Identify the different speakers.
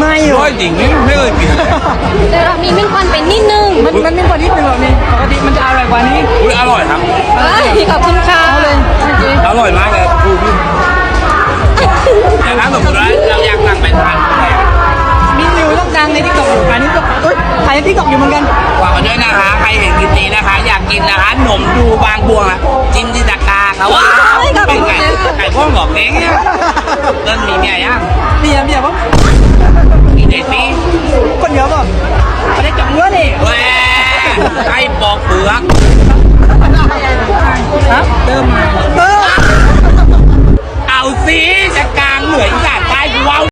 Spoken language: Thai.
Speaker 1: ไม่หรอ
Speaker 2: ร้อยจริงไม่เคยกิน
Speaker 3: แต่เรามีมิ่งควันไปนิดนึง
Speaker 1: มันมีกว่านิดนึงแบบนี้ปกติมันจะอร่อยกว่านี้
Speaker 2: อุ้ยอร่อยครับ
Speaker 3: เอ้ยขอบคุณค่ะ
Speaker 1: เอาเลยจริง
Speaker 2: อร่อยมากเลยครูพี่แต่ถ้าสมมติว่าเราอยากสั่งไปทาน
Speaker 1: มีรีวิวต้องดังในทิกตอกอยู่อันนี้ก็ถ่ายในทิกตอกอยู่เหมือนกัน
Speaker 2: ฝากกันด้วยนะคะใครเห็นคลิปนี้นะคะ อยากกินนะคะหนมดูบางบวงอะจิ้มที่ตะกร้าเขาว่าเป็นไก่พวกหงอกเองเนี่ยเริ่มมีเมียยัง
Speaker 1: เบียร์ปะ
Speaker 2: มีเด็ดนี้
Speaker 1: คนเดียวปะไม่ได้จับเนื้อเลย
Speaker 2: แหวไก่ปอกเปลือก
Speaker 1: ฮะเติมมา